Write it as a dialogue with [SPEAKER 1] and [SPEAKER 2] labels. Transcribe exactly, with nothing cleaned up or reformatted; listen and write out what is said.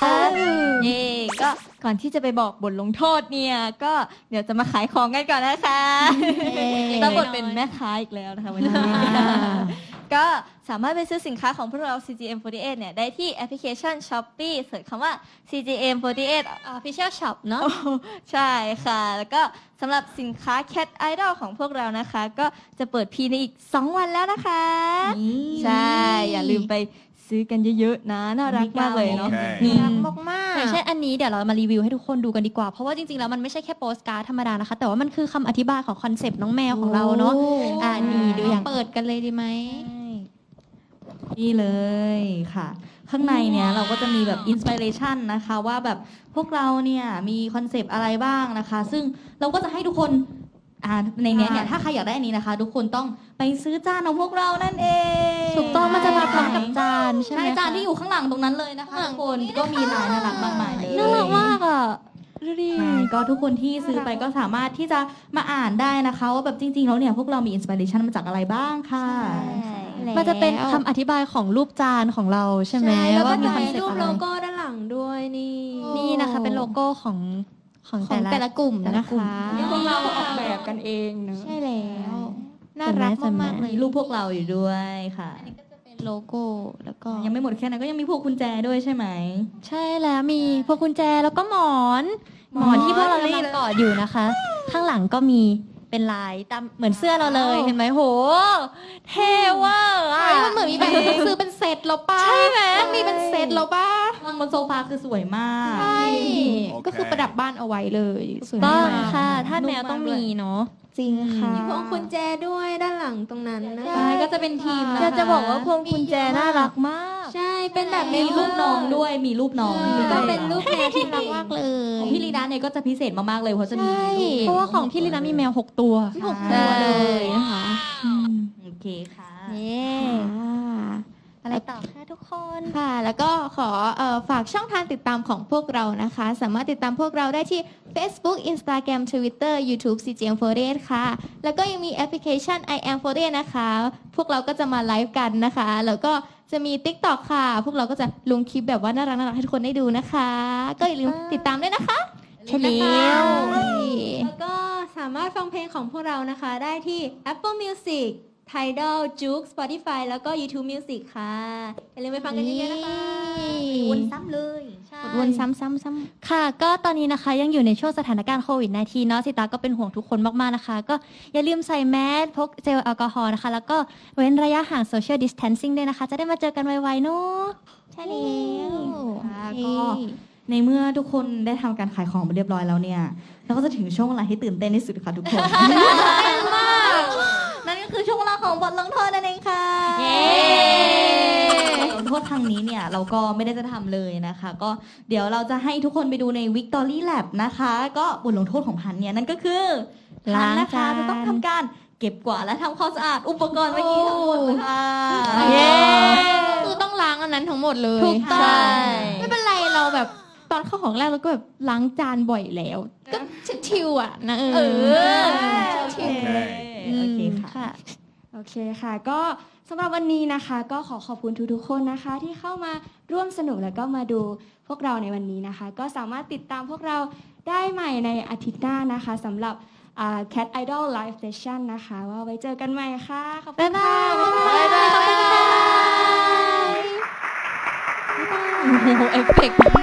[SPEAKER 1] เย่ก็ก่อนที่จะไปบอกบทลงโทษเนี่ยก็เดี๋ยวจะมาขายของกันก่อนนะคะรับบทเป็นแม่ค้าอีกแล้วนะคะวันนี้ก็สามารถไปซื้อสินค้าของพวกเรา ซี จี เอ็ม โฟร์ตี้เอท เนี่ยได้ที่แอปพลิเคชัน Shopee เสิร์ชคำว่า ซี จี เอ็ม โฟร์ตี้เอท Official Shop เนอะใช่ค่ะ แล้วก็สำหรับสินค้า Cat Idol ของพวกเรานะคะ ก็จะเปิดพีในอีกสองวันแล้วนะคะใช่อย่าลืมไปซื้อกันเยอะๆนะน่ารักมากเลยเนาะ
[SPEAKER 2] น่ารักมากๆ
[SPEAKER 3] อย่างเช่นอันนี้เดี๋ยวเรามารีวิวให้ทุกคนดูกันดีกว่าเพราะว่าจริงๆแล้วมันไม่ใช่แค่โปสการ์ดธรรมดานะคะแต่ว่ามันคือคำอธิบายของคอนเซปต์น้องแมวของเราเนาะอ่านี่ดูอย่าง
[SPEAKER 2] เปิดกันเลยดีไหม
[SPEAKER 4] นี่เลยค่ะ ข้างในเนี้ยเราก็จะมีแบบอินสปิเรชันนะคะว่าแบบพวกเราเนี่ยมีคอนเซปต์อะไรบ้างนะคะ ซึ่งเราก็จะให้ทุกคนอ่าในเนี้ยเนี่ยถ้าใครอยากได้อันนี้นะคะ ทุกคนต้องไปซื้อจานของพวกเรานั่นเอง
[SPEAKER 3] ถูกต้องมันจะมาพร้อมกับจานใช่ไหม
[SPEAKER 4] ใช่
[SPEAKER 3] คะ
[SPEAKER 4] จานที่อยู่ข้างหลังตรงนั้นเลยนะคะทุกคนก็มีลายน่ารักมากมายเลย
[SPEAKER 3] น่ารักมากอ่ะดูดิ
[SPEAKER 4] ใช่ก็ทุกคนที่ซื้อไปก็สามารถที่จะมาอ่านได้นะคะว่าแบบจริงๆแล้วเนี่ยพวกเรามีอินสปิเรชันมาจากอะไรบ้างค่ะ
[SPEAKER 3] มันจะเป็นคำอธิบายของรูปจานของเราใช่ไหม
[SPEAKER 2] แล้วก็
[SPEAKER 3] ว่ามี
[SPEAKER 2] จะ
[SPEAKER 3] คอน
[SPEAKER 2] มี
[SPEAKER 3] เซป
[SPEAKER 2] รู
[SPEAKER 3] ต์
[SPEAKER 2] ป
[SPEAKER 3] อะไร
[SPEAKER 2] โลโก้ด้านหลังด้วยนี่
[SPEAKER 3] นี่นะคะเป็นโลโก้ของของ
[SPEAKER 2] ของ
[SPEAKER 3] แต่
[SPEAKER 2] แต่
[SPEAKER 3] ละ
[SPEAKER 2] ละกลุ่ม
[SPEAKER 3] แต่ละ
[SPEAKER 2] นะ
[SPEAKER 3] กลุ่ม
[SPEAKER 2] คะ
[SPEAKER 1] พวกเราออกแบบกันเองเนอะ
[SPEAKER 2] ใช่แล้วน่ารักมากๆเล
[SPEAKER 4] มี
[SPEAKER 2] ย
[SPEAKER 4] รูปพวกเราอยู่ด้วยค่ะ
[SPEAKER 2] เป็นโลโก้แล้วก็
[SPEAKER 4] ยังไม่หมดแค่นั้นก็ยังมีพวกกุญแจด้วยใช่ไหม
[SPEAKER 3] ใช่แล้วมีพวงกุญแจแล้วก็หมอนหมอนที่พวกเรากำลังกอดอยู่นะคะ ข้างหลังก็มีเป็นลายตามเหมือนเสื้อเราเลยเห็นไหมโหเท่เว่าอ่ะ
[SPEAKER 2] เฮ้ยมันเหมือนมีแบบซื้อเป็นเซตแล้วป่ะ
[SPEAKER 3] ใช่ไหม
[SPEAKER 2] ต้องมีเป็นเซตแล้วป่ะ
[SPEAKER 4] วางบนโซฟาคือสวยมาก
[SPEAKER 2] ใช่ก็คือประดับบ้านเอาไว้เลยสวย
[SPEAKER 3] ต้
[SPEAKER 2] มา
[SPEAKER 3] อง
[SPEAKER 2] ก
[SPEAKER 3] ค่ะถ้าแมวต้องมีเนาะ
[SPEAKER 2] จริงค่ะ
[SPEAKER 1] มีพวงกุญแจด้วยด้านหลังตรงนั้นนะ
[SPEAKER 4] ใช่ก็จะเป็นทีมนะคะ
[SPEAKER 1] อยากจะบอกว่าพวงกุญแจน่ารักมาก
[SPEAKER 2] ใช่เป็นแบบ
[SPEAKER 4] มีรูปน้องด้วย มีรูปน้อง
[SPEAKER 2] ก็เป็นรูปแมวที่รักมากเลย
[SPEAKER 4] ของพี่ลีดาเนี่ยก็จะพิเศษมากๆเลยเพราะจะมี
[SPEAKER 2] ใช่
[SPEAKER 4] รูป
[SPEAKER 3] เพราะว่าของพี่ลินามีแมวหกตัว
[SPEAKER 4] หก
[SPEAKER 3] ใช่
[SPEAKER 4] ตัวเลยนะคะ
[SPEAKER 3] อืม
[SPEAKER 4] โอเคค่ะ
[SPEAKER 3] เย้
[SPEAKER 2] ค่ะ
[SPEAKER 3] อะไรต่อคะทุกคน
[SPEAKER 2] ค่ะ แล้วก็ขอเอ่อฝากช่องทางติดตามของพวกเรานะคะ สามารถติดตามพวกเราได้ที่ Facebook Instagram Twitter YouTube ซี จี เอ็ม โฟร์ตี้เอท ค่ะ แล้วก็ยังมีแอปพลิเคชัน I am โฟร์ตี้เอท นะคะ พวกเราก็จะมาไลฟ์กันนะคะ แล้วก็จะมี TikTok ค่ะ พวกเราก็จะลงคลิปแบบว่าน่ารักน่ารักให้ทุกคนได้ดูนะคะ ก็อย่าลืมติดตามด้วยนะคะ
[SPEAKER 3] ใช่แล้ว
[SPEAKER 1] แล้วก็สามารถฟังเพลงของพวกเรานะคะ ได้ที่ Apple Music Tidal Juke Spotify แล้วก็ YouTube Music ค่ะ อย่าลืมไปฟังกันเยอะๆนะคะ
[SPEAKER 4] วนซ้ำเลย
[SPEAKER 1] ใช่
[SPEAKER 2] วนซ้ำซ้ำซ้ำ
[SPEAKER 3] ค่ะ ก็ตอนนี้นะคะยังอยู่ในช่วงสถานการณ์โควิด สิบเก้า เนาะสิตาก็เป็นห่วงทุกคนมากๆนะคะ ก็อย่าลืมใส่แมสพกเจลแอลกอฮอล์นะคะ แล้วก็เว้นระยะห่าง Social Distancing ด้วยนะคะ จะได้มาเจอกันไวๆเนาะ
[SPEAKER 2] ใช่แล้ว
[SPEAKER 4] ค่ะก็ในเมื่อทุกคนได้ทำการขายของไปเรียบร้อยแล้วเนี่ยเราก็จะถึงช่วงเวลาที่ตื่นเต้นที่สุดค่ะทุกคน นั่นก็คือช่วงเวลาของบทลงโทษนั่นเองค่ะ
[SPEAKER 3] เย้
[SPEAKER 4] บทลงโทษครั้งนี้เนี่ยเราก็ไม่ได้จะทำเลยนะคะ ก็เดี๋ยวเราจะให้ทุกคนไปดูใน Victory Lab นะคะ ก็บทลงโทษของพันเนี่ยนั่นก็คือพันนะคะจะต้องทำการเก็บกวาดและทำความสะอาดอุปกรณ์เมื่อกี้ทั้งหมดค่ะ
[SPEAKER 3] เย้
[SPEAKER 2] คือต้องล้างอันนั้นทั้งหมดเลย
[SPEAKER 3] ถูกต้อง
[SPEAKER 2] ใช่ไม่เป็นไรเราแบบตอนเข้าของแรกเราก็แบบล้างจานบ่อยแล้ว ก็ชิวๆอ่ะนะเออ
[SPEAKER 4] เออ
[SPEAKER 2] ชิว
[SPEAKER 4] โอเคค่ะ
[SPEAKER 3] ค่ะ
[SPEAKER 1] โอเคค่ะ ก็สำหรับวันนี้นะคะ ก็ขอขอบคุณทุกๆคนนะคะ ที่เข้ามาร่วมสนุกแล้วก็มาดูพวกเราในวันนี้นะคะ ก็สามารถติดตามพวกเราได้ใหม่ในอาทิตย์หน้านะคะสำหรับอ่า Cat Idol Live Session นะคะ ว่าไว้เจอกันใหม่ค่ะขอบคุ
[SPEAKER 3] บ๊าย
[SPEAKER 1] ณ
[SPEAKER 3] บา
[SPEAKER 1] ค่ะ
[SPEAKER 3] ย บ๊ายบาย ขอบคุณค่ะโอ้โหเอฟเฟกต์